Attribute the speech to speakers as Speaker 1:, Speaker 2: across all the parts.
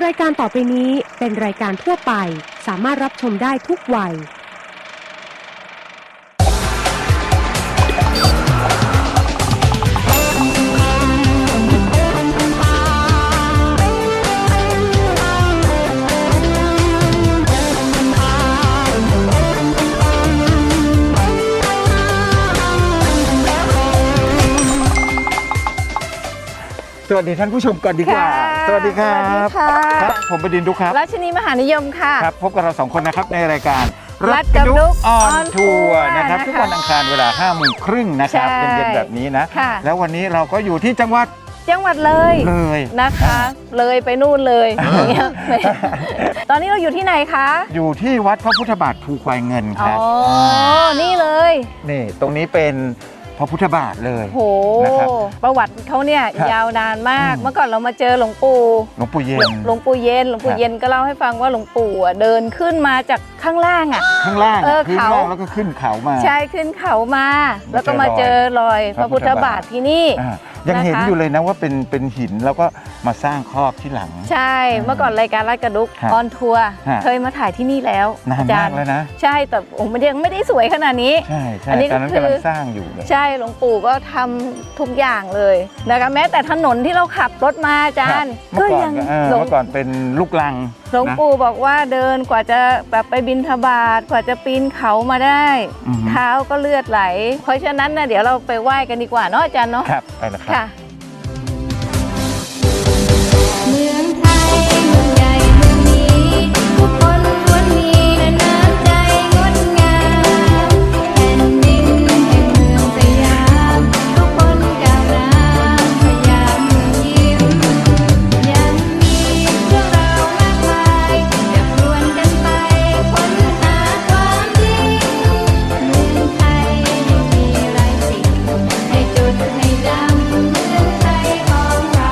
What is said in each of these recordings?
Speaker 1: รายการต่อไปนี้เป็นรายการทั่วไปสามารถรับชมได้ทุกวัย
Speaker 2: สวัสดีท่านผู้ชมก่อนดีกว่าสวัสดีครับครับผมบดินทร์ดุ๊กครับ
Speaker 3: รัชนีมหานิยมค่ะ
Speaker 2: ครับพบกับเรา2คนนะครับในรายการ
Speaker 3: รัฐกับดุ๊ก
Speaker 2: ออนทัวร์นะครับทุกวันอังคารเวลา 5:30 นนะครับเย็นๆแบบนี้นะแล้ววันนี้เราก็อยู่ที่จังหวัด
Speaker 3: เลยนะคะเลยไปนู่นเลยอย่างเงี้ยตอนนี้เราอยู่ที่ไหนคะ
Speaker 2: อยู่ที่วัดพระพุทธบาทภูควายเงินครับ
Speaker 3: อ๋อนี่เลย
Speaker 2: นี่ตรงนี้เป็นพระพุทธบาทเลย
Speaker 3: โหประวัติเขาเนี่ยยาวนานมากเมื่อก่อนเรามาเจอหลวงปู่
Speaker 2: เย็น
Speaker 3: หลวงปู่เย็นก็เล่าให้ฟังว่าหลวงปู่เดินขึ้นมาจากข้างล่าง
Speaker 2: ขึ้นล่างแล้วก็ขึ้นเขามา
Speaker 3: ใช่ขึ้นเขามาแล้วก็มาเจอรอยพระพุทธบาทที่นี่
Speaker 2: ยังเห็นอยู่เลยนะว่าเป็นหินแล้วก็มาสร้างครอบที่หลัง
Speaker 3: ใช่เมื่อก่อนรายการรัฐกระดุกออนทัวร์เคยมาถ่ายที่นี่แล้ว
Speaker 2: นานมากแล้วนะ
Speaker 3: ใช่แต่มันยังไม่ได้สวยขนาดนี้
Speaker 2: ใช่อันนี้ก็คือกำลังสร้างอยู่
Speaker 3: ใช่หลวงปู่ก็ทำทุกอย่างเลยนะคะแม้แต่ถนนที่เราขับรถมาอาจารย์
Speaker 2: ก็ยังเมื่อก่อนเป็นลูกลัง
Speaker 3: หลวงปู่บอกว่าเดินกว่าจะแบบไปบิณฑบาตกว่าจะปีนเขามาได้เท้าก็เลือดไหลเพราะฉะนั้นนะเดี๋ยวเราไปไหว้กันดีกว่าเนาะอาจารย์เนาะ
Speaker 2: ครับไปแล้วครับ
Speaker 4: เมืองไทยเมืองใหญ่เมืองนี้ทุกคนล้วนมีน้ำใจงดงามแผ่นดินแห่งเมืองสยามทุกคนก้าวน้ำพยามเมืองยิ้มยังมีเรื่องราวมากมายจะชวนกันไปค้นหาความจริงเมืองไทยมีหลายสิ่งให้จดให้จำเมืองไทยของเรา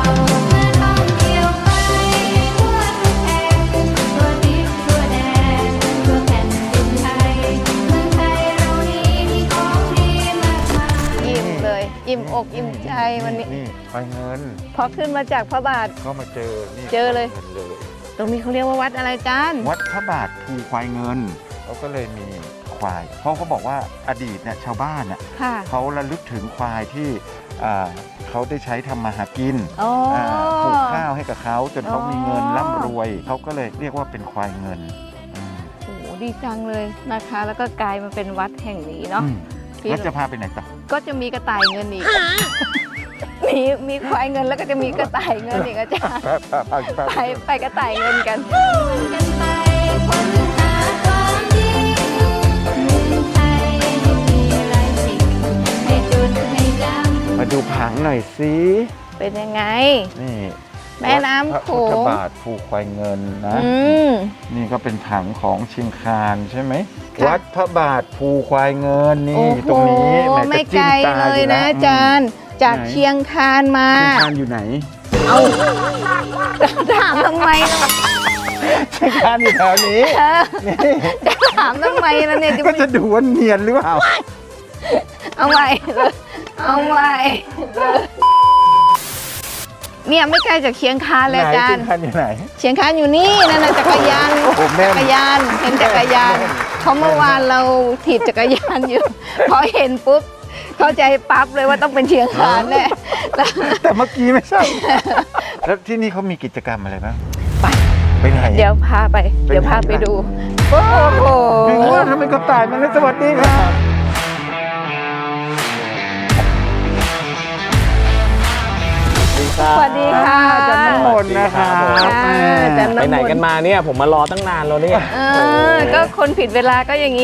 Speaker 3: อิ่มอกอิ่มใจวันนี้
Speaker 2: นี่ควายเงิน
Speaker 3: พอขึ้นมาจากพระบาท
Speaker 2: ก็มาเ
Speaker 3: จอเลยตรงนี้เขาเรียกว่าวัดอะไรจาน
Speaker 2: วัดพระบาทภูควายเงินเขาก็เลยมีควายเพราะเขาบอกว่าอดีตเนี่ยชาวบ้านเขาระลึกถึงควายที่เขาได้ใช้ทำมาหากินปลูกข้าวให้กับเขาจนเขามีเงินร่ำรวยเขาก็เลยเรียกว่าเป็นควายเงิน
Speaker 3: โอ้ดีจังเลยนะคะแล้วก็กลายมาเป็นวัดแห่งนี้เนาะ
Speaker 2: แล้วจะพาไปไหนต่อ
Speaker 3: ก็จะมีกระต่ายเงินอีกมีควายเงินแล้วก็จะมีกระต่ายเงินอีกอาจารย์ไปกระต่ายเงินกัน
Speaker 4: ไปค้นหาความจริงเมืองไทยมีหลายสิ่งให้จดให้จำ
Speaker 2: มาดูผังหน่อยสิ
Speaker 3: เป็นยังไง
Speaker 2: นี่
Speaker 3: แม่น้ำโขง
Speaker 2: พระพุทธบาทภูควายเงินนะนี่ก็เป็นผังของเชียงคานใช่ไหมวัดพระบาทภูควายเงินนี่ตรงนี้
Speaker 3: ไม่ไกลเลยนะอาจารย์จากเชียงคานมา
Speaker 2: เชียงคานอยู่ไหน
Speaker 3: เอาถามทำไม
Speaker 2: เชียงคานอยู่แถวนี้
Speaker 3: จะถามทำไมล่ะเนี่ย
Speaker 2: ก็จะดูว่าเนียนหรือเปล่า
Speaker 3: เอาใหม่เนี่ยไม่ไกลจากเชียงคานเลยอาจารย์
Speaker 2: เชียงคานอยู่ไหน
Speaker 3: เชียงคานอยู่นี่นั่นจักรยานเห็นจักรยานเพราะเมื่อวานเราถีบจักรยานอยู่พอเห็นปุ๊บเข้าใจปั๊บเลยว่าต้องเป็นเชียงคานแน่
Speaker 2: แต่เมื่อกี้ไม่ใช่แล้วที่นี่เขามีกิจกรรมอะไรบ้างไปไหน
Speaker 3: เดี๋ยวพาไปดูโอ้โห
Speaker 2: ถึงว่าทำไมกระต่ายมันสวัสดีครับ
Speaker 3: สวัสดีค่ะ
Speaker 2: อาจารย์น้ำมนต์นะคะ
Speaker 5: ไปไหนกันมาเนี่ยผมมารอตั้งนานแล้วเนี่ย
Speaker 3: ก็คนผิดเวลาก็อย่างนี้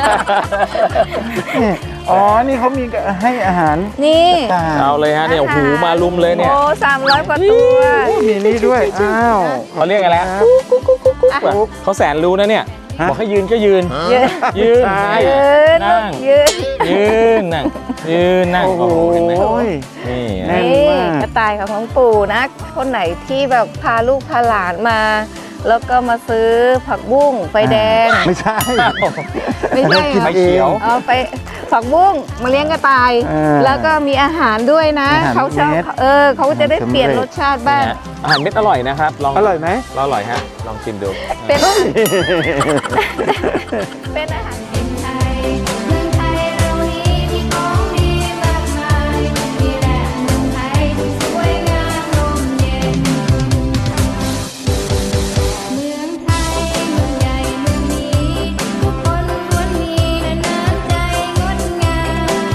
Speaker 2: อ๋อนี่เขามีให้อาหาร
Speaker 3: นี่
Speaker 5: เอาเลยฮะเนี่ยหูมาลุมเลยเนี่ย
Speaker 3: โอ้300 กว่าตัว
Speaker 2: มีนี่ด้วยอ้าว
Speaker 5: เขาเรียกอะไรเขาแสนรู้นะเนี่ยบอกให้ยืนก็ยืนนั่ง
Speaker 2: โอ้โห
Speaker 3: นี่กระต่ายของปู่นะคนไหนที่แบบพาลูกพาหลานมาแล้วก็มาซื้อผักบุ้งไฟแดง
Speaker 2: ไม่ใช่
Speaker 3: ไม่ใช่
Speaker 2: กิน
Speaker 3: เหรอ
Speaker 5: ไฟเขียว
Speaker 3: เอาไปผักบุ้งมาเลี้ยงกระต่าย แล้วก็มีอาหารด้วยนะ
Speaker 2: อาหาร
Speaker 3: เขาชอบ
Speaker 2: เม็ด
Speaker 3: เขาจะได้เปลี่ยนรสชาติบ้าง
Speaker 5: เนี่ยอาหารเม็ดอร่อยนะครับลอง
Speaker 2: อร่อยไหม
Speaker 5: อร่อยฮะลองชิมดู
Speaker 3: เป็นเป็นอาหาร
Speaker 4: ดินไทยเมืองไทยเรานี้มีของดีมากมายมีแหล่งเมืองไทยที่สวยงามร่มเย็นเมืองไทยเมืองใหญ่เมืองนี้ทุกคนล้วนมีน้ำใจงดงาม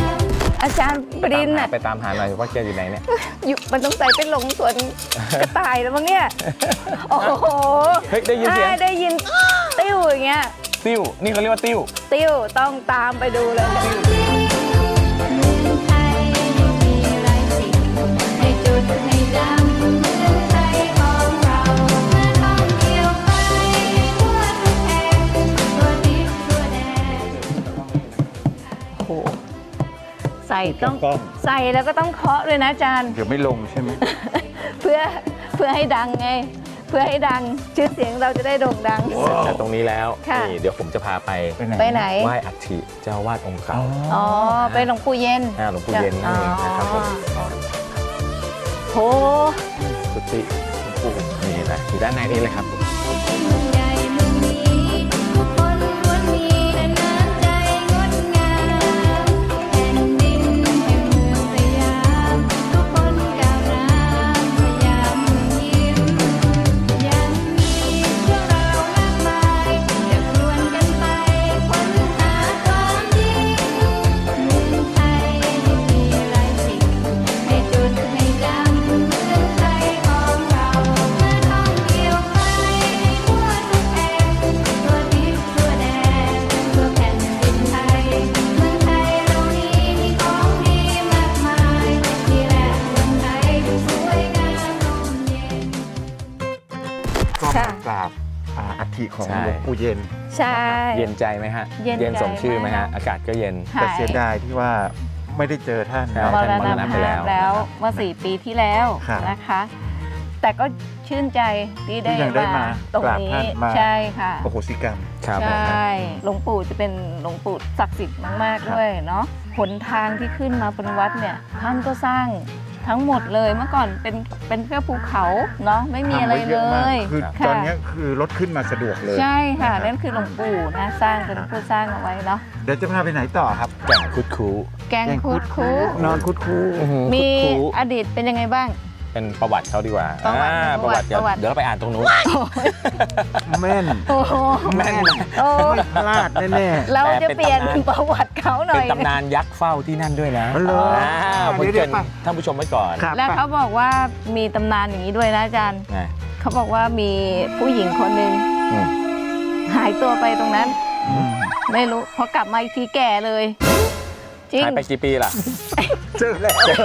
Speaker 3: อาจารย์ปรินน่ะ
Speaker 5: ไปตามหาหน่อยว่าแกอยู่ไหนเนี่ย
Speaker 3: อยู่มันต้องใส่เป็นหลงสวนกระต่ายแล้วมั้งเนี่ยโอ้โห
Speaker 5: เฮ้ยได้ยินเสียง
Speaker 3: ได้ยินติ้วอย่างเงี้ย
Speaker 5: ติ้วนี่เขาเรียกว่าติ้ว
Speaker 3: ติ้วต้องตามไปดูเลย
Speaker 4: เมืองไทยมีหลายสิ่งให้จดให้จำเมืองไทยของเรามาท่องเที่ยวไปทั่วทุกแห่งทั่วทิศทั่วแดน
Speaker 3: โอ้โหใส่ต้อง
Speaker 2: กล้อง
Speaker 3: ใส่แล้วก็ต้องเคาะด้วยนะอาจารย์
Speaker 2: เดี๋ยวไม่ลงใช่ไหม
Speaker 3: เพื่อให้ดังไง เพื่อให้ดังชื่อเสียงเราจะได้โด่งดัง
Speaker 5: จากตรงนี้แล้ว
Speaker 3: ค่ะ
Speaker 5: นี่เดี๋ยวผมจะพาไป
Speaker 3: ไปไหน
Speaker 5: ไหว้อัฐิเจ้าวาดองค์เก่า
Speaker 3: อ๋อไปหลวงปู่เย็น
Speaker 5: หลวงปู่เย็นนั่นเองนะครับผม
Speaker 3: โห
Speaker 5: กุฏิหลวงปู่นี่นะอยู่ด้านในนี้เลยครับ
Speaker 4: เมืองใหญ่เมืองนี้ทุกคนล้วนมีน้ำใจงดงามแผ่นดินแห่งเมืองสยามทุกคนก้าวน้ำสยามเมืองยิ้มยังมีเรื่องราวมากมายจะชวนกันไปค้นหาความจริงเมืองไทยมีหลายสิ่งให้จดให้จำเมืองไทยของเรามาท่องเที่ยวไปทั่วทุกแห่งทั่วทิศทั่วแดนทั่วแผ่นดินไทยเมืองไทยเรานี้มีของดีมากมายนี่แหละเมืองไทยที่สวยงามร่มเย็น
Speaker 2: ก็มากราบอัฐิของ
Speaker 5: ใช่
Speaker 2: หลวงปู่เย็น
Speaker 3: ใช่
Speaker 5: เย็นใจไหมฮะ
Speaker 3: เย็นใจ
Speaker 5: สมชื่อไหมฮะ
Speaker 3: มาก
Speaker 5: อากาศก็เย็น
Speaker 3: ค่ะ
Speaker 2: แต่เสียดายที่ว่าไม่ได้เจอท่าน
Speaker 5: ใช่
Speaker 3: มร
Speaker 5: ท่านมร
Speaker 3: ณ
Speaker 5: ณ
Speaker 3: ภา
Speaker 5: ไปแล้ว
Speaker 3: พแล้ว
Speaker 5: นะครับ
Speaker 3: เมื่อ4 ปีที่แล้ว
Speaker 2: ครับ
Speaker 3: นะคะ แต่ก็ชื่นใจที่ได้
Speaker 2: ที่ยังได้มา
Speaker 3: ตรง
Speaker 2: กราบ
Speaker 3: นี้
Speaker 2: ท่านมา
Speaker 3: ใช่ค่ะ
Speaker 2: โอโหสิกรรม
Speaker 5: ครับ
Speaker 3: ใช
Speaker 5: ผม
Speaker 3: ่ หลวงปู่จะเป็นหลวงปู่ศักดิ์สิทธิ์มาก
Speaker 2: ครับ
Speaker 3: ๆ ด้วยเนาะ หนทางที่ขึ้นมาบนวัดเนี่ย ท่านก็สร้างทั้งหมดเลย เมื่อก่อนเป็นแค่ภูเขาเนาะ ไม่มีอะไร
Speaker 2: ทำว้
Speaker 3: เล
Speaker 2: ยมาก
Speaker 3: ย
Speaker 2: คือ
Speaker 3: ค่ะ
Speaker 2: ตอนนี้คือรถขึ้นมาสะดวกเลย
Speaker 3: ใช่ค่ะ
Speaker 2: รับ
Speaker 3: นั่นคือหลวงปู่นะ สร้างเป็นผู้สร้างเอาไว้เนาะ
Speaker 2: เดี๋ยวจะพาไปไหนต่อครับ
Speaker 5: แก่งคุดคู
Speaker 3: แกงคุดคู
Speaker 2: นอนคุดคู
Speaker 3: มี
Speaker 5: คุดคู
Speaker 3: อดีตเป็นยังไงบ้าง
Speaker 5: เป็นประวัติเขาดีกว่า
Speaker 3: ประวัติ
Speaker 5: ประวัติ
Speaker 3: ประวัติ
Speaker 5: เดี๋ยวเราไปอ่านตรงนู้น
Speaker 2: แม่น
Speaker 3: โอ้โห
Speaker 2: แม่น
Speaker 3: โอ้
Speaker 2: ไม่พลาดแน่
Speaker 3: เราจะเปลี่ยน
Speaker 5: เป็นตำนาน
Speaker 3: ประวัติเขาหน่
Speaker 5: เป็
Speaker 3: อน ย
Speaker 5: ตำนานยักษ์เฝ้าที่นั่นด้วยนะ
Speaker 2: อ๋อเหรอ
Speaker 5: ผม
Speaker 2: เดี๋
Speaker 5: เกริ
Speaker 2: ย
Speaker 5: น
Speaker 2: วๆไป
Speaker 5: ท่านผู้ชมไว้ก่อน
Speaker 2: ๆครับ
Speaker 3: แล้วเขาบอกว่ามีตำนานอย่างนี้ด้วยนะอาจารย์
Speaker 5: ไง
Speaker 3: เขาบอกว่ามีผู้หญิงคนหนึ่ง
Speaker 5: อืม
Speaker 3: หายตัวไปตรงนั้น
Speaker 2: อืม
Speaker 3: ไม่รู้พอกลับมาอีกทีแก่เลย จริง
Speaker 5: หายไปกี่ปีล่ะ
Speaker 2: เจอแล้วเจอ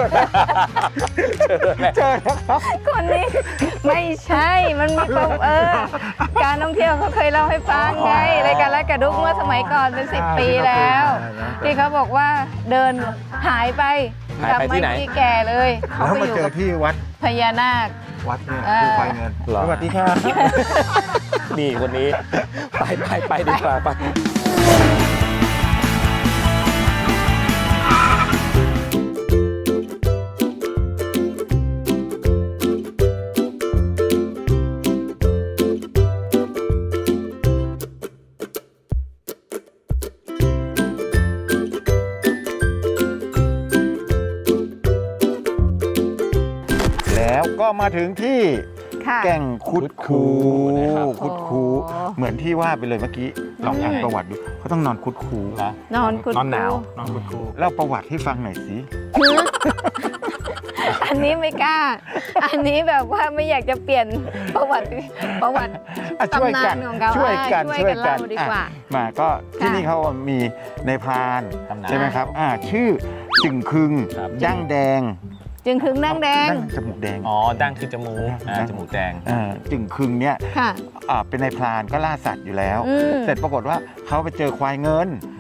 Speaker 2: แล้วครับ
Speaker 3: คนนี้ไม่ใช่มันมีการท่องเที่ยวเขาเคยเล่าให้ฟังไงรายการรักกระดุกเมื่อสมัยก่อนเป็น10 ปีแล้ว ที่เขาบอกว่าเดินหายไป
Speaker 5: หาย
Speaker 3: กลั
Speaker 5: ไปที่ไหน
Speaker 3: มาอีกทีแก่เลยเขา
Speaker 2: แล้ว
Speaker 3: ไป
Speaker 2: มา
Speaker 3: อยู่
Speaker 2: เจอ
Speaker 3: กับ
Speaker 2: ที่วัด
Speaker 3: พญานาค
Speaker 2: วัดเนี่ย
Speaker 3: เออ
Speaker 2: คือควายเงิน
Speaker 5: เหรอ
Speaker 2: สวัสดีครับ
Speaker 5: นี่คนนี้ ไปดีกว่าไป
Speaker 2: แล้วก็มาถึงที่
Speaker 3: ค่ะ
Speaker 2: แก่งคุดคู
Speaker 5: นะครับ
Speaker 2: คุดคู
Speaker 3: โอ้
Speaker 2: เหมือนที่ว่าไปเลยเมื่อกี้ลองอ่านประวัติดูเขาต้องนอนคุดคู
Speaker 3: นอนคุด
Speaker 5: นอนหนาว
Speaker 3: คู
Speaker 5: นอนคุดคู
Speaker 2: เล่าประวัติให้ฟังหน่อยสิ
Speaker 3: อันนี้ไม่กล้า อันนี้แบบว่าไม่อยากจะเปลี่ยนประวัติ
Speaker 2: อ่ะช่วยกัน
Speaker 3: ตำนานของเขา
Speaker 2: ช่วยกัน
Speaker 3: ช่วยกันเล่าดีกว่า
Speaker 2: อ่ะมาก็ที่นี่เขามีในพราน
Speaker 5: ตำนาน
Speaker 2: ใช่ไหมครับชื่อจึงคึง
Speaker 5: ครับ
Speaker 2: ดั้งแดง
Speaker 3: จึงคึงนั่งแดง
Speaker 2: จมูกแดง
Speaker 5: อ๋อดั้งคือจมูกจมูกแดง
Speaker 2: จึงคึงเนี่ย
Speaker 3: ค่ะ
Speaker 2: เป็นในพรานก็ล่าสัตว์อยู่แล้ว
Speaker 3: อืม
Speaker 2: เสร็จปรากฏว่าเขาไปเจอควายเงิน
Speaker 5: ม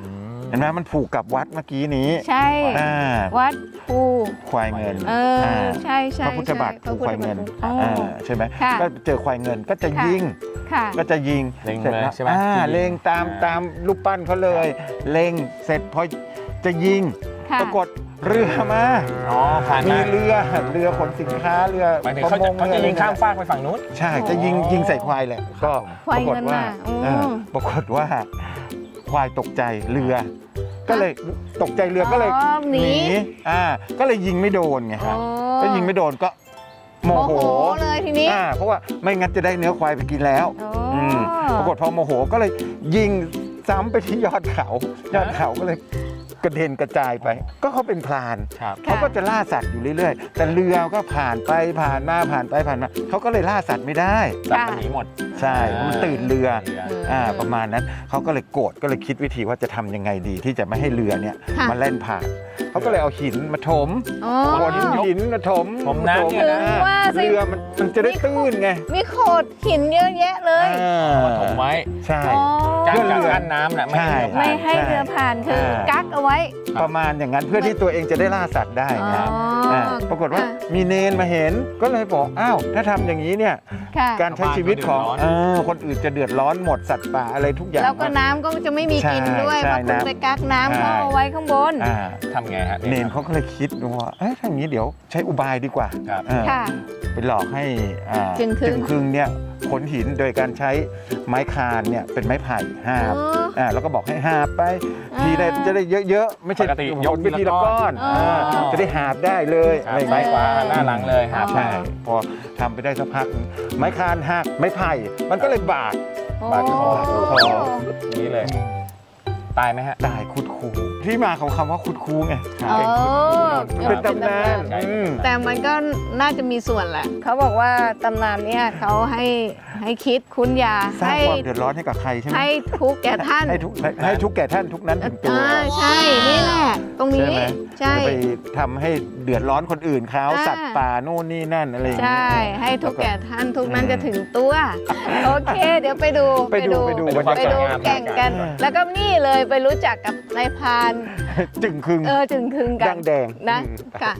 Speaker 2: เห็นไหมมันผูกกับวัดเมื่อกี้นี้
Speaker 3: ใช่
Speaker 2: อ่า
Speaker 3: วัดภู
Speaker 2: ควายเงิน
Speaker 3: ใช่ใช่
Speaker 2: พระพุทธบาทผูกควายเงิน
Speaker 3: อ๋อ
Speaker 2: ใช่ไหม
Speaker 3: ค่ะ
Speaker 2: ก็เจอควายเงินก็จะยิง
Speaker 3: ค่ะ
Speaker 2: ก็จะยิง
Speaker 5: เล็ง
Speaker 2: เสร็จ
Speaker 5: เลย
Speaker 2: แล้ว
Speaker 5: ใช่ไหม
Speaker 2: เล็งตามรูปปั้นเขาเลยเล็งเสร็จพอจะยิง
Speaker 3: ค่ะ
Speaker 2: ปรากฏเรือมา
Speaker 5: อ๋อผ่าน
Speaker 2: มี
Speaker 5: มา
Speaker 2: เรือขนสินค้าเรือ
Speaker 5: หมายถึง
Speaker 2: ประ
Speaker 5: เขา
Speaker 2: ม
Speaker 5: จะ
Speaker 2: ง
Speaker 5: เขาจะยิงข้ามฟากไปฝั่งนู้น
Speaker 2: ใช่จะยิงใส่ควายแหละก็
Speaker 3: ควาย
Speaker 2: ปรากฏ
Speaker 3: เงิน
Speaker 2: ว่า
Speaker 3: น่ะอืม
Speaker 2: ปรากฏว่าควายตกใจเรือ ก็เลยตกใจเรือก็เลย
Speaker 3: อ๋อหนี
Speaker 2: ก็เลยยิงไม่โดนไงครับก็ยิงไม่โดนก็โมโห
Speaker 3: เลยทีนี้
Speaker 2: เพราะว่าไม่งั้นจะได้เนื้อควายไปกินแล้ว
Speaker 3: โอ้
Speaker 2: ปรากฏพอโมโหก็เลยยิงซ้ำไปที่ยอดเขาก็เลยกระเด็นกระจายไป ก็เขาเป็นพราน
Speaker 5: ครับ
Speaker 2: เขาก็จะล่าสัตว์อยู่เรื่อยๆ แต่เรือก็ผ่านไปผ่านมาเขาก็เลยล่าสัตว์ไม่ได้
Speaker 5: สัตว์มันหนีหมด
Speaker 2: ใช่มันตื่นเรือ
Speaker 3: อืม
Speaker 2: ประมาณนั้นเขาก็เลยโกรธก็เลยคิดวิธีว่าจะทำยังไงดีที่จะไม่ให้เรือเนี่ย
Speaker 3: ค่ะ
Speaker 2: มาแล่นผ่านเขาก็เลยเอาหินมาถม
Speaker 3: อ๋อ
Speaker 2: ขนหินมาถม
Speaker 5: ถมน้ำเนี่ยนะ
Speaker 3: ถึงว่าสิ
Speaker 2: เรือมันจะได้ตื้นไง
Speaker 3: มีโขดหินเยอะแยะเลย
Speaker 5: มาถมไว้
Speaker 2: ใช่
Speaker 3: อ๋อ
Speaker 5: กั้น
Speaker 2: เพื่อเรือ
Speaker 5: กั้นน้ำน่ะ
Speaker 2: ใช่
Speaker 5: ไม่
Speaker 3: ไม่
Speaker 5: ให้
Speaker 3: ให้เรือผ่านคือกักเอาไว้
Speaker 2: ประมาณอย่างนั้นเพื่อที่ตัวเองจะได้ล่าสัตว์ได้ไง
Speaker 3: อ๋ออ่
Speaker 2: ปรากฏว่า
Speaker 3: ค่ะ
Speaker 2: มีเนนมาเห็นก็เลยบอกอ้าวถ้าทำอย่างนี้เนี่ย
Speaker 3: ค่ะ
Speaker 2: การใช้ชีวิตของ
Speaker 5: ชาวบ้านก็เดือดร้อน
Speaker 2: คนอื่นจะเดือดร้อนหมดสัตว์ป่าอะไรทุกอย่าง
Speaker 3: แล้วก็น้ำก็จะไม่มีกินด้วย
Speaker 2: ใช่
Speaker 3: เพราะคุณ
Speaker 2: น้ำ
Speaker 3: ไปกักน้ำ
Speaker 2: ใช่
Speaker 3: เข้าเอาไว้ข้างบน
Speaker 2: อ่า
Speaker 5: ทำไงฮะ
Speaker 2: เนนเขาก็เลยคิดว่าเอ๊ะถ้าอย่างนี้เดี๋ยวใช้อุบายดีกว่า
Speaker 5: ครับ
Speaker 3: ค่ะ
Speaker 2: ไปหลอกให้
Speaker 3: จึงครึ่ง
Speaker 2: ครึ่งเนี่ยขนหินโดยการใช้ไม้คานเนี่ยเป็นไม้ไผ่หาบ แล้วก็บอกให้หาบไป ทีได้จะได้เยอะๆไม่ใช่
Speaker 5: ปกติยก
Speaker 2: ไปทีละก้อน
Speaker 3: อ๋อ
Speaker 2: จะได้หาบได้เลยอะไรอย่าง
Speaker 5: ซ้าย
Speaker 2: เงี้ย
Speaker 5: ขวาหน้าหลังเลยครับ
Speaker 2: ใช่พอทำไปได้สักพักหนึ่งไม้คานหักไม้ไผ่มันก็เลยบาด
Speaker 5: บาดคอ
Speaker 2: คอ
Speaker 5: นี้เลย ตายไหมฮะ
Speaker 2: ตายคุดคูที่มาของคำว่าคุดคูไง
Speaker 3: อ๋อ
Speaker 2: เป็นตำนาน
Speaker 5: ใช่
Speaker 3: แต่มันก็น่าจะมีส่วนแหละ เขาบอกว่าตำนานเนี่ยเขาให้คิดคุณยา
Speaker 2: สร้าง
Speaker 3: ให้
Speaker 2: ความเดือดร้อนให้กับใครใช่ไหม
Speaker 3: ให้ทุกข์แก่ท่าน
Speaker 2: ให้ทุกแก่ท่านทุกนั้นถึงตัว
Speaker 3: ใช่ นี่แหละ ตรงนี้ ใช่
Speaker 2: จะไปทำให้เดือดร้อนคนอื่นเขา
Speaker 3: อ่า
Speaker 2: สัตว์ป่าโน่นนี่นั่นอะไรอย่าง
Speaker 3: ใช่
Speaker 2: เงี้ย
Speaker 3: ให้ทุกข์แก่ท่านทุกนั้น
Speaker 2: อืม
Speaker 3: จะถึงตัว โอเค เดี๋ยวไปดู
Speaker 2: ไปดู
Speaker 3: ไปดูแข่งกัน แล้วก็นี่เลยไปรู้จักกับนายพราน
Speaker 2: จึงคึง
Speaker 3: จึงคึงกั
Speaker 2: ดั
Speaker 3: น
Speaker 2: งแดง
Speaker 3: นะ
Speaker 2: อืม
Speaker 3: ค่ะ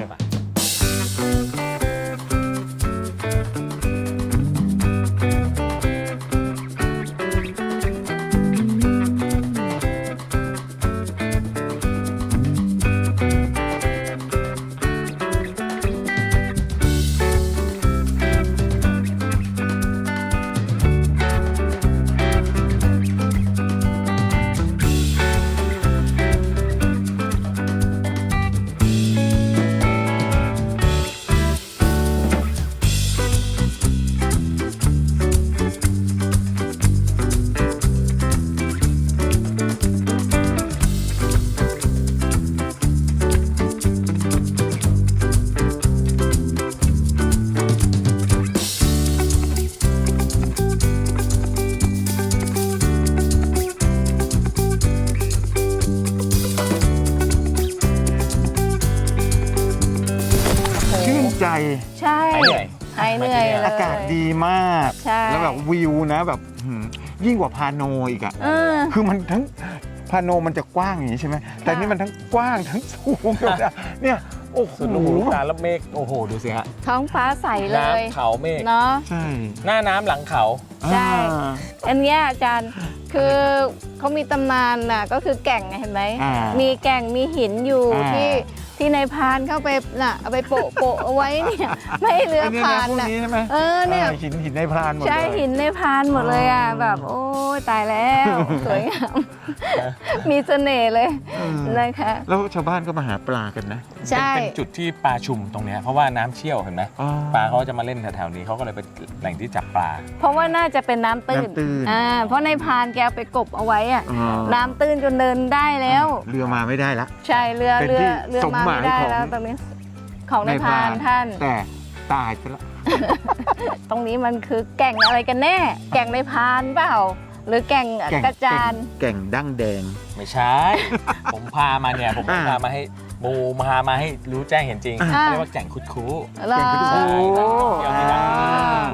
Speaker 2: ชื่นใจ
Speaker 3: ใช่
Speaker 5: หายเหนื่อย
Speaker 3: หายเหนื่อยเลย
Speaker 2: อากาศดีมาก
Speaker 3: ใช่
Speaker 2: แล้วแบบวิวนะแบบยิ่งกว่าพาโนอีกอะ
Speaker 3: เออ
Speaker 2: คือมันทั้งพาโนมันจะกว้างอย่างนี้ใช่ไหมแต่นี่มันทั้งกว้างทั้งสูงเนี่ยโอ้โห
Speaker 5: สุดลูกหูลูกตาแล้วเมฆโอ้โหดูสิฮะ
Speaker 3: ท้องฟ้าใสเลย
Speaker 5: น้ำเขาเมฆ
Speaker 3: เนาะ
Speaker 2: ใช่
Speaker 5: หน้าน้ำหลังเขา
Speaker 3: ใช่
Speaker 2: อ่า
Speaker 3: อันเนี้ยอาจารย์คือเขามีตำนานน่ะก็คือแก่งไงเห็นไหม
Speaker 2: อ่ามี
Speaker 3: มีแก่งมีหินอยู่
Speaker 2: อ่า
Speaker 3: ที่นายพรานเข้าไปน่ะเอาไปโปะเอาไว้เนี่ยไม่ให้เรือ
Speaker 2: ไอ้เนี่ย
Speaker 3: ผ่า
Speaker 2: นะ
Speaker 3: น
Speaker 2: พวก
Speaker 3: น่ะ
Speaker 2: นี้ใช่ไหม
Speaker 3: เนี่ย
Speaker 2: หินในพรานหมดเลย
Speaker 3: ใช่หินในพรานหมดเลยอ่ะแบบโอ้ยตายแล้ว สวยงาม มีเสน่ห์เลย
Speaker 2: อืม
Speaker 3: นะคะ
Speaker 2: แล้วชาวบ้านก็มาหาปลากันนะ
Speaker 3: ใช่
Speaker 5: เป็นจุดที่ปลาชุมตรงเนี้ยเพราะว่าน้ำเชี่ยวเห็นไหม
Speaker 2: อ๋อ
Speaker 5: ปลาเขาจะมาเล่นแถวๆนี้เขาก็เลยเป็นแหล่งที่จับปลา
Speaker 3: เพราะว่าน่าจะเป็นน้ำตื้น
Speaker 2: น้ำตื้น
Speaker 3: เพราะนายพรานแกเอาไปกบเอาไว้อ่ะ
Speaker 2: อ๋อ
Speaker 3: น้ำตื้นจนเดินได้แล้ว
Speaker 2: เรือมาไม่ได้ละ
Speaker 3: ใช่เรือ
Speaker 2: เป็นที่
Speaker 3: มา
Speaker 2: สมหมาย
Speaker 3: ไม่ได้
Speaker 2: ของ
Speaker 3: แล้วตรงนี้ของนายพรานท่าน
Speaker 2: แต่ตายไปแล้ว
Speaker 3: ตรงนี้มันคือแก่งอะไรกันแน่ แก่งนายพรานเปล่า หรือแก่งกระจาน
Speaker 2: แก่งดั้งแดง
Speaker 5: ไม่ใช่ ผมพามาเนี่ยผม
Speaker 2: อ่า
Speaker 5: พามาให้บูพามาให้รู้แจ้งเห็นจริง
Speaker 3: อ่า
Speaker 5: เรียกว่าแก่งคุดคู้
Speaker 3: เหรอ
Speaker 2: แก่งคุดคู้
Speaker 5: ใช่เที่ยวที่ดังคุดคู้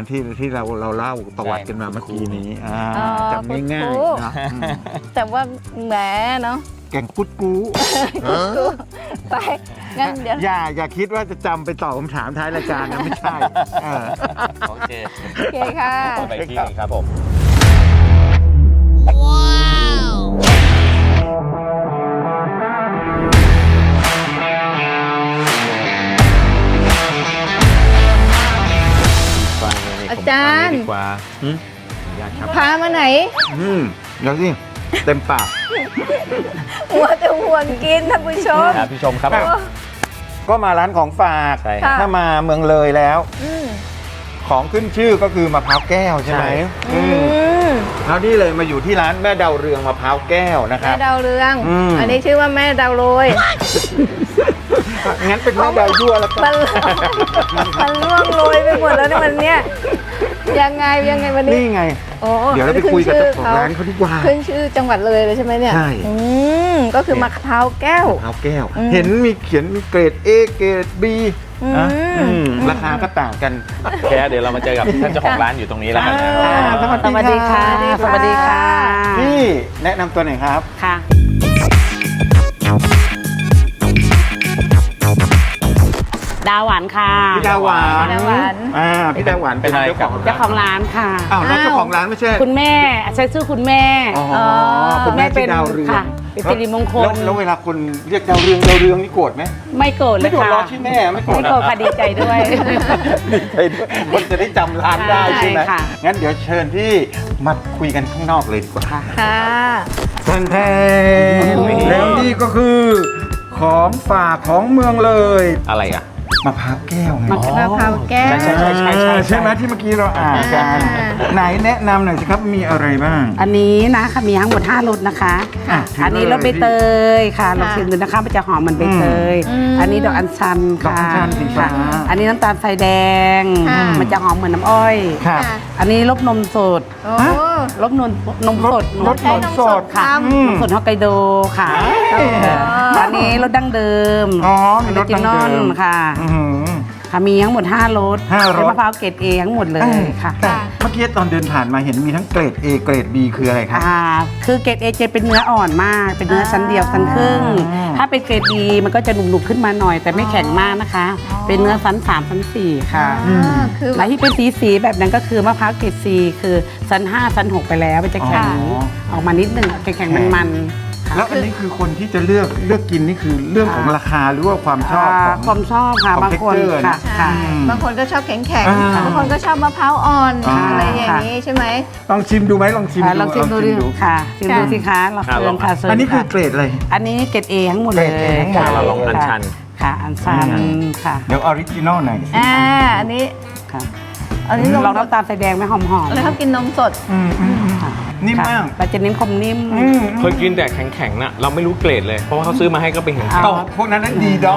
Speaker 2: ที่เราเล่าประวัติกันมาเมื่อกี้นี้จำง่ายๆนะ
Speaker 3: แต่ว่าแหมเนาะ
Speaker 2: แกงกุดกู
Speaker 3: ไปงั้นเดี๋ยว
Speaker 2: อย่าคิดว่าจะจำไปตอบคำถามท้ายรายการนะไม่ใช่
Speaker 5: โอเค
Speaker 3: โอเคค่ะ
Speaker 5: ไปที่หนึงครับผม
Speaker 3: อาจารย์
Speaker 5: ดีกว่าอยากครับ
Speaker 3: พามาไหน
Speaker 2: เดี๋ยวสิเต็มปาก
Speaker 3: หัวแต่ห่วงกินท่านผู้ชม
Speaker 5: ครับพี่ชมครับ
Speaker 2: ก็มาร้านของฝาก
Speaker 5: ใช่ครับ
Speaker 2: ถ้ามาเมืองเลยแล้ว ของขึ้นชื่อก็คือมะพร้าวแก้วใช่ไหมคราวนี้เลยมาอยู่ที่ร้านแม่ดาวเรืองมะพร้าวแก้วนะค
Speaker 3: แม่
Speaker 2: รับ
Speaker 3: ดาวเรือง
Speaker 2: ม
Speaker 3: อันนี้ชื่อว่าแม่ดาวโรย
Speaker 2: งั้นเป็นแม่ดาวยั่วแล้วกัน
Speaker 3: มันล่วงโรยไปหมดแล้วในวันเนี้ยยังไงวันนี้
Speaker 2: นี่ไง
Speaker 3: โอ้
Speaker 2: เดี๋ยวเราไปคุยกับเจ้าของร้านเขาดีกว่า
Speaker 3: ขึ้นชื่อจังหวัดเลยใช่ไหมเนี่ย
Speaker 2: ใช่
Speaker 3: ก็คือมะพร้าวแก้ว
Speaker 2: มะพร้าวแก้ว
Speaker 3: อืม
Speaker 2: เห็นมีเขียนมีเกรด A เกรด B นะราคาก็ต่างกัน
Speaker 5: แค่เดี๋ยวเรามาเจอกับท่านเจ้าของร้านอยู่ตรงนี้แล้วกันนะค
Speaker 3: อ่า
Speaker 5: รับ
Speaker 2: สวัสดีค่ะ
Speaker 3: สวัสดีค่ะ
Speaker 2: พี่แนะนำตัวหน่อยครับ
Speaker 6: ค่ะ ดาวหวานค่ะ
Speaker 2: พี่ดาวหวาน
Speaker 3: พี่ดาวหวาน
Speaker 2: พี่ดาวหวานเป็นเจ้าของ
Speaker 6: เจ้าของร้านค่ะ
Speaker 2: อ้าวแล้วเจ้าของร้านไม่ใช่
Speaker 6: คุณแม่ใช้ชื่อคุณแม่
Speaker 2: อ๋อคุณแม่
Speaker 6: เป็
Speaker 2: เป็น นดาวเรือง
Speaker 6: ค่ะเป็นสิริมงคล
Speaker 2: แล้วเวลาคนเรียกดาวเรืองนี่โกรธไหม
Speaker 6: ไม่โกรธเล
Speaker 2: ไม่
Speaker 6: ย
Speaker 2: โกรธ
Speaker 6: ค่ะ
Speaker 2: ล้อที่แม่ไม่โกรธ
Speaker 6: ไม่โกรธค่ะดีใจด้วย
Speaker 2: คนจะได้จำร้านได้ใช่ไหม
Speaker 6: ใช่ค่ะ
Speaker 2: งั้นเดี๋ยวเชิญพี่มาคุยกันข้างนอกเลยดีกว่า
Speaker 6: ค่ะ
Speaker 3: ค่ะ
Speaker 2: ท่านแทนแล้วนี่ก็คือของฝากของเมืองเลย
Speaker 5: อะไรอ่ะ
Speaker 2: มะพร้าวแก้วไง
Speaker 3: มะพร้าวแก้ว
Speaker 5: ใช่
Speaker 2: ใช่ไหมที่เมื่อกี้เราอ่านกัน ไหนแนะนำหน่อยสิครับมีอะไรบ้าง
Speaker 6: อันนี้นะคะมีทั้งหมด5รสนะคะ
Speaker 2: อ่ะ
Speaker 6: อันนี้รสใบเตยค่ะลองชิมดูนะคะมันจะหอมเหมือนใบเตย อันนี้ดอกอัญชัน
Speaker 2: ดอก
Speaker 6: ค่ะ
Speaker 2: อัญชันสีฟ้า
Speaker 6: ค่ะอันนี้น้ำตาลทรายแดง
Speaker 3: ค่ะ
Speaker 6: มันจะหอมเหมือนน้ำอ้อย
Speaker 2: ครับ
Speaker 6: อันนี้รสนมสด
Speaker 3: โอ้
Speaker 6: รสนมสด
Speaker 2: รสนมสด
Speaker 6: ค่ะ
Speaker 2: อืม
Speaker 6: นมสดฮอกไกโดค่ะ อันนี้รสดั้งเดิม
Speaker 2: อ๋อมีรสดั้งเดิม
Speaker 6: ออริจินอลค่ะ
Speaker 2: อื้อหือ
Speaker 6: ค่ะมีทั้งหมด5รส
Speaker 2: 5รส
Speaker 6: เป็นมะพร้าวเกรดเอทั้งหมดเลยค่ะ
Speaker 2: แต่เมื่อกี้ตอนเดินผ่านมาเห็นมีทั้งเกรด A เกรด B คืออะไรครับ
Speaker 6: คือเกรดเอจะเป็นเนื้ออ่อนมาก เป็นเนื้อชั้นเดียวชั้นครึ่ง
Speaker 2: อ๋อ
Speaker 6: ถ้าเป็นเกรดดีมันก็จะหนุบๆขึ้นมาหน่อย แต่ไม่แข็งมากนะคะ เป็นเนื้อชั้น3ชั้น4ค่ะ
Speaker 3: คือ
Speaker 6: และที่เป็นสีแบบนั้นก็คือมะพร้าวเกรดซีคือชั้น5ชั้น6ไปแล้วมันจะแข็งออกมานิดหนึงแข็งๆมันๆค่ะ
Speaker 2: แล้วอันนี้คือคนที่จะเลือกกินนี่คือเรื่องของราคาหรือว่าความชอบของ
Speaker 6: ความชอบค่ะ
Speaker 2: ของ
Speaker 6: บางคน
Speaker 2: texture
Speaker 6: ค่ะ
Speaker 2: นะ
Speaker 6: ค่ะ
Speaker 3: บางคนก็ชอบแข็ง
Speaker 2: อ่า
Speaker 3: บางคนก็ชอบมะพร้าวอ่อน
Speaker 2: อ่า
Speaker 3: อะไรอย่างนี้ใช่ไหม
Speaker 2: ลองชิมดูไหมลองชิม
Speaker 6: ลองชิมดูดิค่ะชิมดูสิคะเรา
Speaker 5: ค่ะ
Speaker 6: เชิ
Speaker 5: ล
Speaker 6: ญ
Speaker 5: อง
Speaker 6: ค่ะเชิญ
Speaker 2: อันนี้คือ
Speaker 6: ค่ะ
Speaker 2: เกรดอะไร
Speaker 6: อันนี้เกรดเอทั้งหมดเลย
Speaker 2: เกรด A ทั้งหมด
Speaker 6: ค่ะ
Speaker 5: เราลองอัญชัน
Speaker 6: ค่ะอัญชันค่ะ
Speaker 2: เดี๋ยวออริจินอลหน่อยสิ
Speaker 3: อันนี้
Speaker 6: ค่ะ
Speaker 3: อันนี้
Speaker 6: ลองน้ำตาลใส่แดงไหมหอมๆ
Speaker 3: แล้วชอบกินนมสด
Speaker 6: ค่ะ
Speaker 2: นิ่มมาก
Speaker 6: เราจะเน้นความนิ่ม
Speaker 5: เคยกินแต่แข็งๆน่ะเราไม่รู้เกรดเลย เพราะว่าเขาซื้อมาให้ก็เป็นแข็ง
Speaker 6: อ๋
Speaker 2: เอ้าพวกนั้นดีด็อก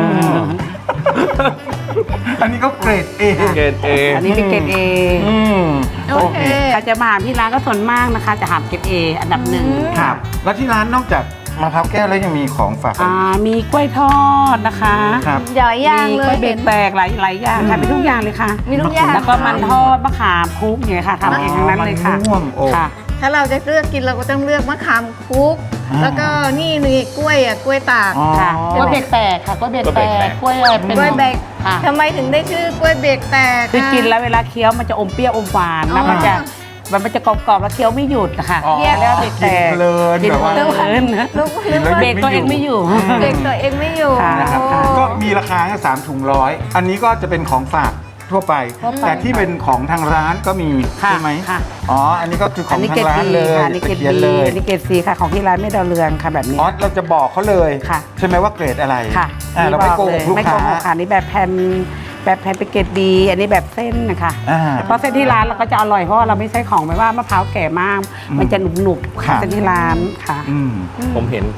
Speaker 2: อันนี้ก็เกรด A
Speaker 5: เกรดเอ
Speaker 6: อันนี้เป็นเกรดเอ
Speaker 3: โอเค
Speaker 6: ใครจะมาหาที่ร้านก็ส่วนมากนะคะ จะหาเกรดเออันดับหนึ่ง
Speaker 2: ครับ แล้วที่ร้านนอกจากมะพร้าวแก้วแล้วยังมีของฝาก
Speaker 6: มีกล้วยทอดนะคะ
Speaker 2: ครับ
Speaker 3: หลายอย่าง
Speaker 6: มี
Speaker 3: เล
Speaker 6: กล้วย ยเบรกแตกหลายอย่างค่ะเป็นทุกอย่างเลยค่ะ
Speaker 3: มีทุกอย่าง
Speaker 6: แล้วก็มันทอดมะขามคลุกอย่างเงี้ยค่ะทำเองทั้งนั้นเลยค่ะ
Speaker 2: มันม่วงโอ้
Speaker 6: ค่ะ
Speaker 3: ถ้าเราจะเลือกกินเราก็ต้องเลือกมะขามคุก แล้วก็นี่กล้วยกล้วยตาก
Speaker 2: อ๋อ
Speaker 6: ค่ะกล้วยเบรกแตกค่ะกล้วยเบรกแตกกล้วยเป็น
Speaker 3: กล้วยเบรก
Speaker 6: ค่ะ
Speaker 3: ทำไมถึงได้ชื่อกล้วยเบรกแตก
Speaker 6: คือกินแล้วเวลาเคี้ยวมันจะอมเปรี้ยวอมหวานแล้วมันจะกรอบๆแล้วเคี้ยวไม่หยุดนะคะ
Speaker 2: อ๋อ
Speaker 6: แล้วเบรกแตก
Speaker 2: กินเพลิน
Speaker 6: กิน
Speaker 2: แบบว่า
Speaker 6: เพลิน
Speaker 3: ลูก
Speaker 2: กินแล้ว
Speaker 6: เบรกตัวเองไม่อยู่
Speaker 3: เบรกตัวเองไม่อยู่
Speaker 6: ค่ะ
Speaker 2: นะครับ
Speaker 3: โอ้
Speaker 2: ก็มีราคาแค่3 ถุงร้อยอันนี้ก็จะเป็นของฝากทั่วไป แต่ที่เป็นของทางร้านก็มี
Speaker 6: ค่ะ
Speaker 2: ใช่ไหม
Speaker 6: ค่ะ
Speaker 2: อ๋อ อันนี้ก็คือข
Speaker 6: อั
Speaker 2: อน ง
Speaker 6: นี้
Speaker 2: ทา
Speaker 6: เกรง ด
Speaker 2: ร้าน
Speaker 6: ดี
Speaker 2: เลย
Speaker 6: ค่ะอันนี้เกรด
Speaker 2: เขียน
Speaker 6: ดี
Speaker 2: เลย
Speaker 6: อันนี้เกรดซีค่ะของที่ร้านไม่ดาวเรืองค่ะแบบนี้
Speaker 2: อ๋อ เราจะบอกเขาเลย
Speaker 6: ค่ะ
Speaker 2: ใช่ไหมว่าเกรดอะไร
Speaker 6: ค่ะ
Speaker 2: เราไม่โกหกลูก
Speaker 6: ไม่โก
Speaker 2: ค้า
Speaker 6: หกค่ะนี่แบบแผ่นเป็นเกรดดี อันนี้แบบเส้นนะคะ
Speaker 2: อ่า
Speaker 6: เพราะเส้นที่ร้านเราก็จะอร่อยเพราะว่าเราไม่ใช้ของแบบว่ามะพร้าวแก่มาก มันจะหนุบๆ
Speaker 2: ครับ
Speaker 6: เส้นที่ร้านค่ะ
Speaker 2: อืม
Speaker 5: ผมเห็น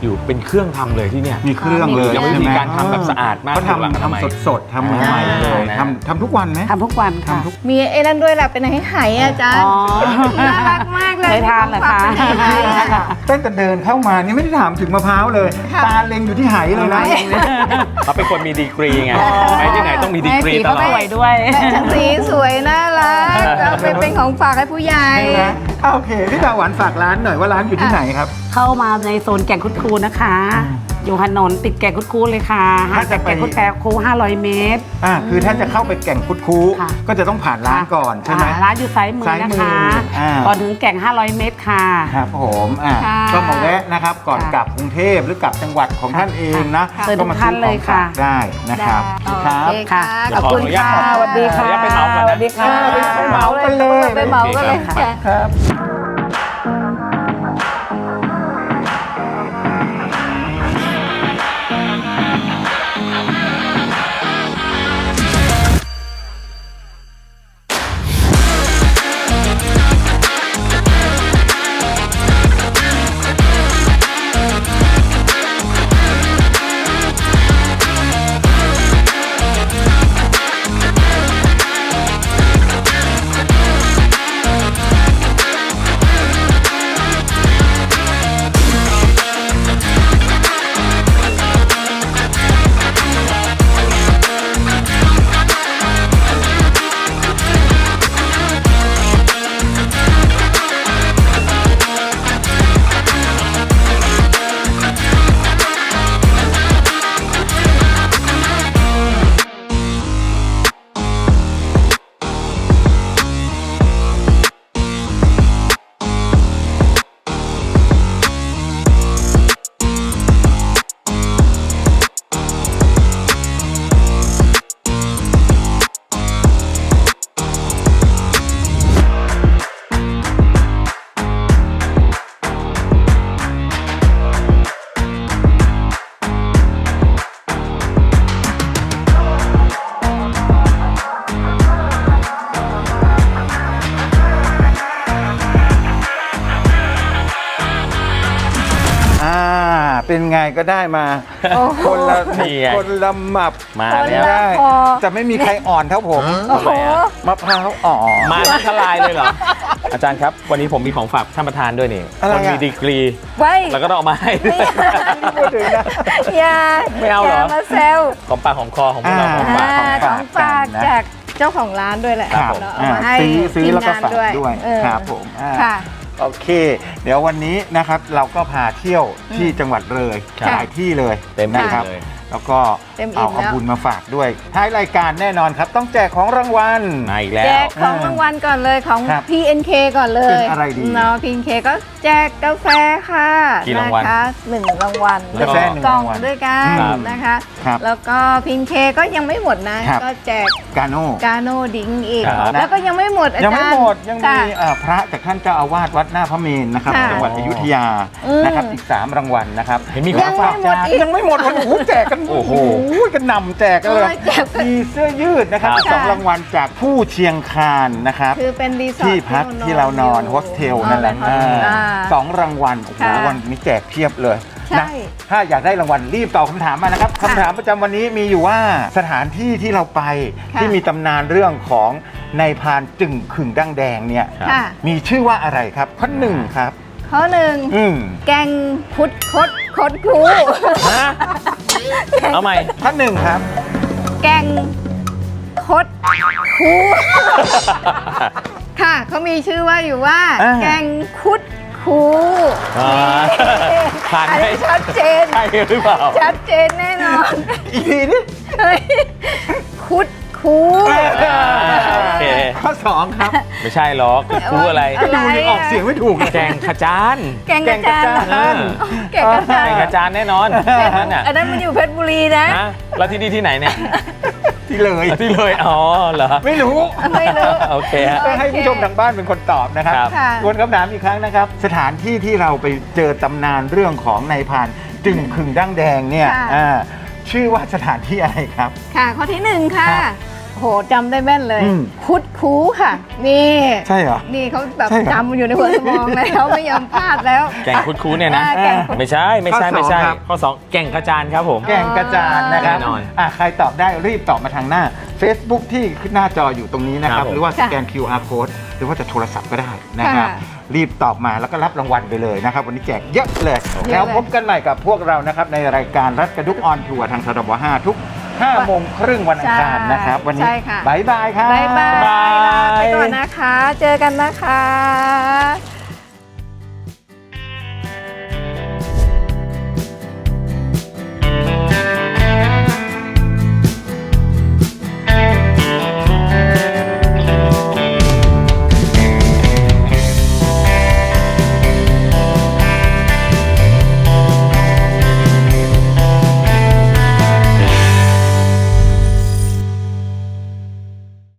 Speaker 5: อยู่เป็นเครื่องทำเลยที่เนี่ย
Speaker 2: มีเครื่องเลย
Speaker 5: แล้ววิธี
Speaker 2: ใช่ไหม
Speaker 5: การทำแบบสะอาดมาก
Speaker 2: เขา
Speaker 5: ถูกหลักอนามัย
Speaker 2: ทำสดๆทำใหม่ๆเลย
Speaker 5: อ่า
Speaker 2: ทำทุกวันไหม
Speaker 6: ทำทุกวันค่ะ
Speaker 2: ทำทุก
Speaker 3: มีไอ้นั่นด้วยแหละเป็นไหอาจารย์
Speaker 6: อ๋อ
Speaker 3: น่ารักมากเลย
Speaker 6: เคยทานเหรอคะ
Speaker 3: เป็นไหอะ
Speaker 2: ตั้งแต่เดินเข้ามานี่ไม่ได้ถามถึงมะพร้าวเลย
Speaker 3: ค่ะ
Speaker 2: ตาเล็งอยู่ที่ไหเลยนะ
Speaker 5: เขาเป็นคนมีดีกรีไงไปที่ไหนต้องมีดีกรีตลอ
Speaker 6: ส
Speaker 5: ด
Speaker 6: วยด้วย
Speaker 3: แต่สีสวยน่ารักก็เป็นของฝากให้ผู้ใหญ่
Speaker 2: ใช่ไหมโอเคพี่ดาวหวานฝากร้านหน่อยว่าร้านอยู่ที่ไหนครับ
Speaker 6: เข้ามาในโซนแก่งคุดคูนะคะ อยู่ถนนติดแก่งคุดคูเลยค่ะห่างจากแก่งคุดคู500 เมตร
Speaker 2: คือถ้าจะเข้าไปแก่งคุดคู
Speaker 6: ค่ะ
Speaker 2: ก็จะต้องผ่านร้านก่อนใช่ไหม
Speaker 6: ร้านอยู่ซ้ายมือ
Speaker 2: ซ้าย
Speaker 6: นะ
Speaker 2: มือ
Speaker 6: คะ
Speaker 2: อ่า
Speaker 6: ก่อนถึงแก่ง500 เมตรค่ะ
Speaker 2: ครับผม
Speaker 3: ค่ะ
Speaker 2: ก็มาแวะนะครับก่อน
Speaker 6: ค่ะ
Speaker 2: กลับกรุงเทพหรือกลับจังหวัดของท่านเองนะ
Speaker 6: ค่ะเชิญ
Speaker 2: ก็มา
Speaker 6: ทุกท่านเลยค่ะ
Speaker 2: ได้นะครับ
Speaker 3: ได้
Speaker 2: ครับ
Speaker 3: โอเคค่ะ
Speaker 5: เดี๋
Speaker 3: ข
Speaker 5: ย
Speaker 3: อ
Speaker 5: ว
Speaker 3: บคุณ
Speaker 5: ขออนุญา
Speaker 3: ค่ะ
Speaker 5: ต
Speaker 6: สวัสดีค่ะ
Speaker 5: ขออนุญาตไปเมาส์ก่อนนะ
Speaker 6: สวัสดีค่ะ
Speaker 2: ไปเมาส์กันเลย
Speaker 3: ไปเมาส์กันเลย
Speaker 5: โอเค
Speaker 3: ค่ะ
Speaker 2: ครับ เป็นไงก็ได้มา
Speaker 3: โอ้โห
Speaker 2: คนละ
Speaker 5: นี่ไง
Speaker 2: คนละหมับ
Speaker 5: มา
Speaker 3: คน
Speaker 5: แล้ว
Speaker 3: ละ
Speaker 2: ได้
Speaker 3: พอ
Speaker 2: แต่ไม่มีใครอ่อนเท่าผม
Speaker 3: โอ้โห
Speaker 2: มะพร้าวอ่อน
Speaker 5: มาทั้งทลายเลยเหรอ อาจารย์ครับ วันนี้ผมมีของฝากท่านประธานด้วยนี่
Speaker 2: อะไร
Speaker 5: คน
Speaker 2: อ่ะ
Speaker 5: มีดีกรี
Speaker 3: ไว้
Speaker 5: แล้วก็ต้องเอามาให้ด้วย
Speaker 2: พูดถึงนะ
Speaker 3: อย่า
Speaker 5: ไม่เอาเหรอ
Speaker 3: ย่มาแซว
Speaker 5: ของปากของคอของพวกเราของฝาก
Speaker 3: ของฝากจากเจ้าของร้านด้วยแหละ
Speaker 2: ครับ
Speaker 3: เราเอามาให้
Speaker 2: ซื้อ
Speaker 3: ทีม
Speaker 2: แล้วก็
Speaker 3: งาน
Speaker 2: ฝาก
Speaker 3: ด้วย
Speaker 2: ด้วย
Speaker 3: เออ
Speaker 2: ครับผม
Speaker 3: ค่ะ
Speaker 2: โอเค เดี๋ยววันนี้นะครับเราก็พาเที่ยวที่จังหวัดเลย
Speaker 5: ครับ
Speaker 2: หลายที่เลย
Speaker 5: เต็มที่
Speaker 2: นะครับ
Speaker 5: เลย
Speaker 2: แล้วก็
Speaker 3: เต็มอิ่
Speaker 2: เอา
Speaker 3: มแล้ว
Speaker 2: บุญมาฝากด้วยท้ายรายการแน่นอนครับ ต้องแจกของรางวัล
Speaker 5: มาอีกแล้
Speaker 3: แจ
Speaker 5: ว
Speaker 3: กของรางวัลก่อนเลยของ
Speaker 2: ครับ
Speaker 3: PNK ก่อนเลย
Speaker 2: เป็นอะไรดี
Speaker 3: เนาะ PNK ก็แจกกาแฟค่ะ
Speaker 5: กี่รางวัล
Speaker 3: นะคะ1รางวัล
Speaker 5: กาแฟ
Speaker 2: 1
Speaker 3: กล่อง
Speaker 2: รางวัล
Speaker 3: ด้วยกัน
Speaker 2: ครับ
Speaker 3: นะคะ
Speaker 2: ครับ
Speaker 3: แล้วก็ PNK ก็ยังไม่หมดนะ
Speaker 2: ครับ
Speaker 3: ก็แจก
Speaker 2: กาโน่
Speaker 3: กาโนดิ้งอีก
Speaker 5: ครับ
Speaker 3: แล้วก็ยังไม่หมดอาจารย์
Speaker 2: ยังไม่หมดยังมี
Speaker 3: ค่ะ
Speaker 2: พระจากท่านเจ้าอาวาสวัดหน้าพระเมรุนะครับ
Speaker 3: ค่ะ
Speaker 2: จังหวัดอยุธยา
Speaker 3: อืม
Speaker 2: นะครับอีก3รางวัลนะครับ
Speaker 5: เห็นมี
Speaker 3: ยังไม่หมดอีก
Speaker 2: ยังไม่หมดโอ้โหแจกกัน
Speaker 5: โอ้โห
Speaker 2: กันหนำแจกกันเลย
Speaker 3: แจกกัน
Speaker 2: มีเสื้อยืดนะครับ
Speaker 5: ครับ
Speaker 2: อีก2รางวัลจากผู้เชียงคานนะครับ
Speaker 3: คือเป็นรีสอร์ท
Speaker 2: ที่พักที่เรานอนโฮสเทลนั่นแหละ สองรางวัลโอ้โห
Speaker 3: ค่ะ
Speaker 2: วันนี้แจกเพียบเลย
Speaker 3: ใช่
Speaker 2: นะถ้าอยากได้รางวัลรีบตอบคำถามมานะครับคำถามประจำวันนี้มีอยู่ว่าสถานที่ที่เราไป
Speaker 3: ค่ะ
Speaker 2: ที่มีตำนานเรื่องของนายพรานจึงขึงดั้งแดงเนี่ย
Speaker 5: ครับ
Speaker 3: ค่ะ
Speaker 2: มีชื่อว่าอะไรครับข้อหนึ่งครับ
Speaker 3: ข้อหนึ่ง แกงคุดคดคดครู
Speaker 5: ฮะเอาใหม่
Speaker 2: ข้อหนึ่งครับ
Speaker 3: แกงคดครูค่ะเขามีชื่อว่าอยู่ว่า
Speaker 2: อ่า
Speaker 3: แกงคุดครู
Speaker 5: อ่าผ่าน
Speaker 3: อัน
Speaker 5: ไหม
Speaker 3: นี้ชัดเจน
Speaker 5: ใช่หรือเปล่า
Speaker 3: ชัดเจนแน่นอน
Speaker 2: อีกทีนี่
Speaker 3: เฮ้ยคุดครู
Speaker 5: โอเค
Speaker 2: ข้อสองครับ
Speaker 5: ไม่ใช่หรอกคือคูอะไร
Speaker 3: อะไร
Speaker 2: ดูยังออกเสียงไม่ถูกเลย
Speaker 5: แกงขจาน
Speaker 3: แกงกระจาน
Speaker 2: แกงกระจาน
Speaker 3: แกงกระจาน
Speaker 5: แกงขจานแน่นอนนั่นน่ะ
Speaker 3: อันนั้นมันอยู่เพชรบุรีนะ
Speaker 5: นะแล้วที่นี่ที่ไหนเนี่ย
Speaker 2: ที่เลย
Speaker 5: ที่เลยอ๋อเหรอ
Speaker 2: ไม่รู้
Speaker 3: ไม่รู้
Speaker 5: โอเคฮะ
Speaker 2: ก็ให้ผู้ชมทางบ้านเป็นคนตอบนะครับ
Speaker 5: ครับ
Speaker 3: ค่ะ
Speaker 2: ทวนคำถามอีกครั้งนะครับ สถานที่ที่เราไปเจอตำนานเรื่องของนายพรานจึงขึงดั้งแดงเนี่ย
Speaker 3: ค่ะ
Speaker 2: ชื่อว่าสถานที่อะไรครับ
Speaker 3: ค่ะ ข้อที่หนึ่งค่ะ
Speaker 2: ครับ
Speaker 3: โหจำได้แม่นเลย
Speaker 2: อืม
Speaker 3: คุดคูค่ะ นี่
Speaker 2: ใช่เหรอ
Speaker 3: นี่เขาแบบ
Speaker 2: ใช่เหรอ
Speaker 3: จำอยู่ในหัวสมองแล้วไม่ยอมพลาดแล้ว
Speaker 5: แกงคุดๆเนี่ยนะ
Speaker 3: แกงคุด
Speaker 5: ไม่ใช่ไม่ใช่
Speaker 2: ข้อสอง
Speaker 5: ไม่ใช่
Speaker 2: ครับ
Speaker 5: ข้อ 2 แก่งกระจานครับผม
Speaker 2: แก่งกระจานนะครับ
Speaker 5: แน่นอน
Speaker 2: ใครตอบได้รีบตอบมาทางหน้า Facebook ที่ขึ้นหน้าจออยู่ตรงนี้นะครับ
Speaker 5: ครับผม
Speaker 2: หรือว่าสแกน QR code หรือว่าจะโทรศัพท์ก็ได้นะครับ
Speaker 3: ค่ะ
Speaker 2: รีบตอบมาแล้วก็รับรางวัลไปเลยนะครับ วันนี้แจกเยอะเลย
Speaker 3: เยอะเลย
Speaker 2: แล้วพบกันใหม่กับพวกเรานะครับในรายการรัฐกระดุกออนทัวร์ทางทรบ5ทุก5 โมงครึ่งวันอังคารนะครับ วันนี้
Speaker 3: ใช่ค่ะ
Speaker 2: บายบายครับ
Speaker 3: บ๊ายบาย
Speaker 5: บ๊ายบาย
Speaker 3: ลาไปก่อนนะคะ เจอกันนะคะ